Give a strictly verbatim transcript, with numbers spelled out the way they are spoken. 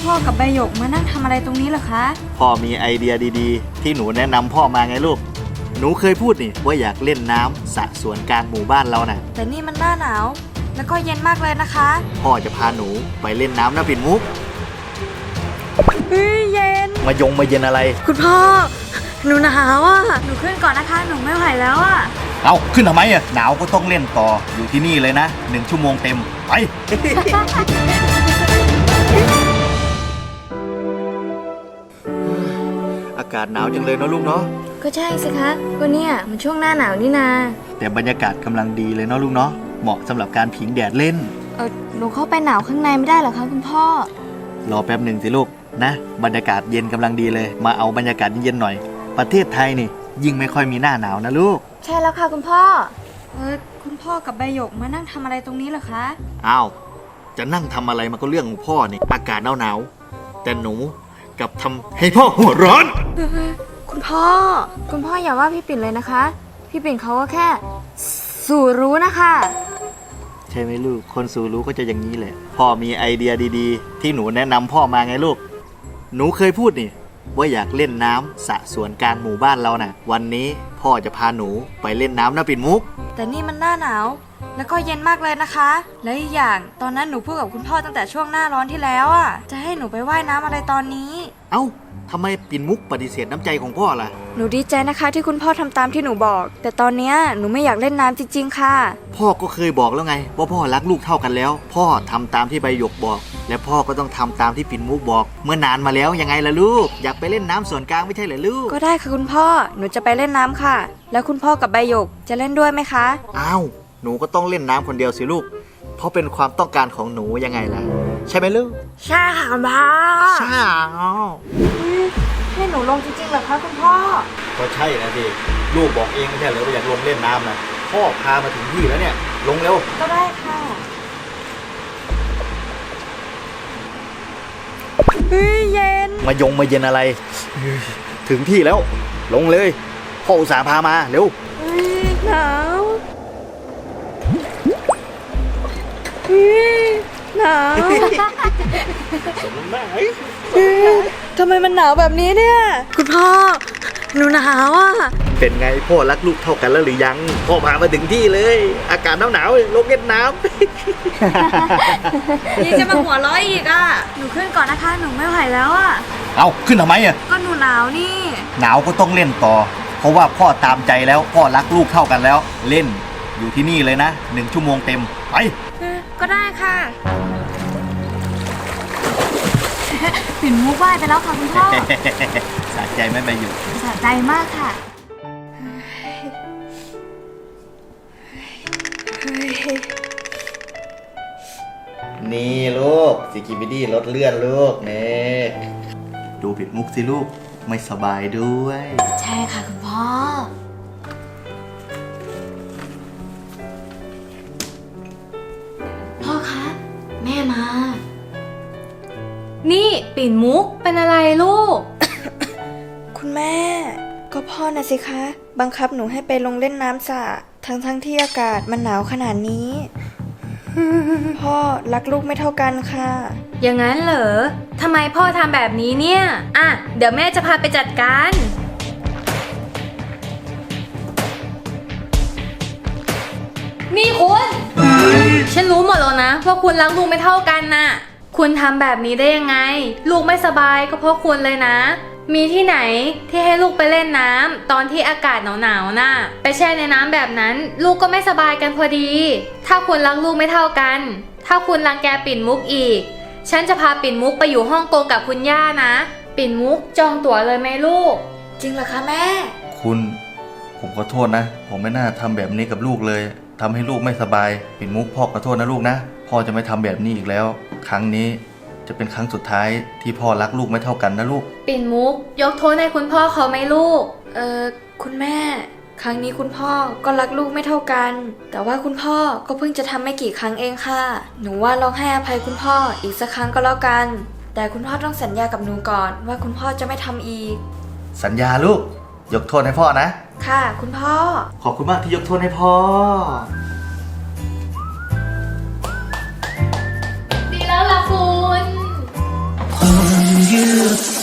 พ่อกับใบหยกมานั่งทำอะไรตรงนี้เหรอคะพ่อมีไอเดียดีๆที่หนูแนะนำพ่อมาไงลูกหนูเคยพูดนี่ว่าอยากเล่นน้ำสระสวนกลางหมู่บ้านเราน่ะแต่นี่มันหน้าหนาวแล้วก็เย็นมากเลยนะคะพ่อจะพาหนูไปเล่นน้ำนะปิ่นมุกเฮ้ยเย็นมายงมาเย็นอะไรคุณพ่อหนูหนาวอ่ะหนูขึ้นก่อนนะคะหนูไม่ไหวแล้วอ่ะเอาขึ้นทำไมอ่ะหนาวก็ต้องเล่นต่ออยู่ที่นี่เลยนะหนึ่งชั่วโมงเต็มไป อากาศหนาวจังเลยเนาะลูกเนาะก็ใช่สิคะก็เนี่ยมันช่วงหน้าหนาวนี่นาแต่บรรยากาศกำลังดีเลยเนาะลูกเนาะเหมาะสำหรับการผิงแดดเล่นเออหนูเข้าไปหนาวข้างในไม่ได้หรอคะคุณพ่อรอแป๊บหนึ่งสิลูกนะบรรยากาศเย็นกำลังดีเลยมาเอาบรรยากาศเย็นๆหน่อยประเทศไทยนี่ยิ่งไม่ค่อยมีหน้าหนาวนะลูกใช่แล้วค่ะคุณพ่อเออคุณพ่อกับใบหยกมานั่งทำอะไรตรงนี้เหรอคะอ้าวจะนั่งทำอะไรมันก็เรื่องของพ่อนี่อากาศหนาวๆแต่หนูกับทำให้พ่อหัวร้อนคุณพ่อคุณพ่ออย่าว่าพี่ปิ่นเลยนะคะพี่ปิ่นเขาก็แค่สู่รู้นะคะใช่ไหมลูกคนสู่รู้ก็จะอย่างนี้แหละพ่อมีไอเดียดีๆที่หนูแนะนำพ่อมาไงลูกหนูเคยพูดนี่ว่าอยากเล่นน้ำสระสวนกลางหมู่บ้านเราน่ะวันนี้พ่อจะพาหนูไปเล่นน้ำนะปิ่นมุกแต่นี่มันหน้าหนาวแล้วก็เย็นมากเลยนะคะและอีกอย่างตอนนั้นหนูพูดกับคุณพ่อตั้งแต่ช่วงหน้าร้อนที่แล้วอ่ะจะให้หนูไปว่ายน้ำอะไรตอนนี้เอ้าทำไมปิ่นมุกปฏิเสธน้ำใจของพ่อล่ะหนูดีใจนะคะที่คุณพ่อทำตามที่หนูบอกแต่ตอนนี้หนูไม่อยากเล่นน้ำจริงๆค่ะพ่อก็เคยบอกแล้วไงว่าพ่อรักลูกเท่ากันแล้วพ่อทำตามที่ใบหยกบอกและพ่อก็ต้องทำตามที่ปิ่นมุกบอกเมื่อนานมาแล้วยังไงล่ะลูกอยากไปเล่นน้ำส่วนกลางไม่ใช่เหรอลูกก็ได้ค่ะคุณพ่อหนูจะไปเล่นน้ำค่ะแล้วคุณพ่อกับใบหยกจะเล่นด้วยไหมคะอ้าวหนูก็ต้องเล่นน้ำคนเดียวสิลูกเพราะเป็นความต้องการของหนูยังไงล่ะใช่ไหมลูกใช่ค่ะคุณพ่อใช่ให้หนูลงจริงๆเหรอคะคุณพ่อก็ใช่นะสิลูกบอกเองไม่ใช่เหรอว่าอยากลงเล่นน้ำนะพ่อพามาถึงที่แล้วเนี่ยลงเร็วก็ได้ค่ะเฮ้ยเย็นมายงมาเย็นอะไรถึงที่แล้วลงเลยพ่ออุตส่าห์พามาเร็วเฮ้ยหนาวเฮ้ยหนาวสมน้ำไหมทำไมมันหนาวแบบนี้เนี่ยคุณพ่อหนูหนาวอ่ะเป็นไงพ่อรักลูกเท่ากันแล้วหรือยังพ่อพามาถึงที่เลยอากาศหนาวหนาวลงเล่นน้ำนี่จะมาหัวร้อยอีกอ่ะหนูขึ้นก่อนนะคะหนูไม่ไหวแล้วอ่ะเอาขึ้นทำไมอ่ะก็หนูหนาวนี่หนาวก็ต้องเล่นต่อเพราะว่าพ่อตามใจแล้วพ่อรักลูกเท่ากันแล้วเล่นอยู่ที่นี่เลยนะหนึ่งชั่วโมงเต็มไปก็ได้ค่ะปิ่นมุกไหว้ไปแล้วค่ะคุณพ่อสะใจไม่ไปอยู่สะใจมากค่ะนี่ลูกซิกิบิดี้รถเลื่อนลูกเนี่ยดูปิ่นมุกสิลูกไม่สบายด้วยใช่ค่ะคุณพ่อพ่อคะแม่มานี่ปิ่นมุกเป็นอะไรลูกคุณแม่ก็พ่อนะสิคะบังคับหนูให้ไปลงเล่นน้ำสระทั้งทั้งที่อากาศมันหนาวขนาดนี้ พ่อรักลูกไม่เท่ากันค่ะอย่างนั้นเหรอทำไมพ่อทำแบบนี้เนี่ยอ่ะเดี๋ยวแม่จะพาไปจัดการนี่คุณฉันรู้หมดแล้วนะว่าคุณรักลูกไม่เท่ากันน่ะคุณทำแบบนี้ได้ยังไงลูกไม่สบายก็เพราะคุณเลยนะมีที่ไหนที่ให้ลูกไปเล่นน้ำตอนที่อากาศหนาวๆน่ะไปแช่ในน้ำแบบนั้นลูกก็ไม่สบายกันพอดีถ้าคุณรักลูกไม่เท่ากันถ้าคุณรังแกปิ่นมุกอีกฉันจะพาปิ่นมุกไปอยู่ฮ่องกงกับคุณย่านะปิ่นมุกจองตั๋วเลยไหมลูกจริงเหรอคะแม่คุณผมขอโทษนะผมไม่น่าทำแบบนี้กับลูกเลยทำให้ลูกไม่สบายปิ่นมุกพ่อขอโทษนะลูกนะพ่อจะไม่ทำแบบนี้อีกแล้วครั้งนี้จะเป็นครั้งสุดท้ายที่พ่อรักลูกไม่เท่ากันนะลูกปิ่นมุกยกโทษให้คุณพ่อเขาไหมลูกเออคุณแม่ครั้งนี้คุณพ่อก็รักลูกไม่เท่ากันแต่ว่าคุณพ่อก็เพิ่งจะทำไม่กี่ครั้งเองค่ะหนูว่าลองให้อภัยคุณพ่ออีกสักครั้งก็แล้วกันแต่คุณพ่อต้องสัญญากับหนูก่อนว่าคุณพ่อจะไม่ทำอีกสัญญาลูกยกโทษให้พ่อนะค่ะคุณพ่อขอบคุณมากที่ยกโทษให้พ่อดีแล้วล่ะคุณอ่อนยืด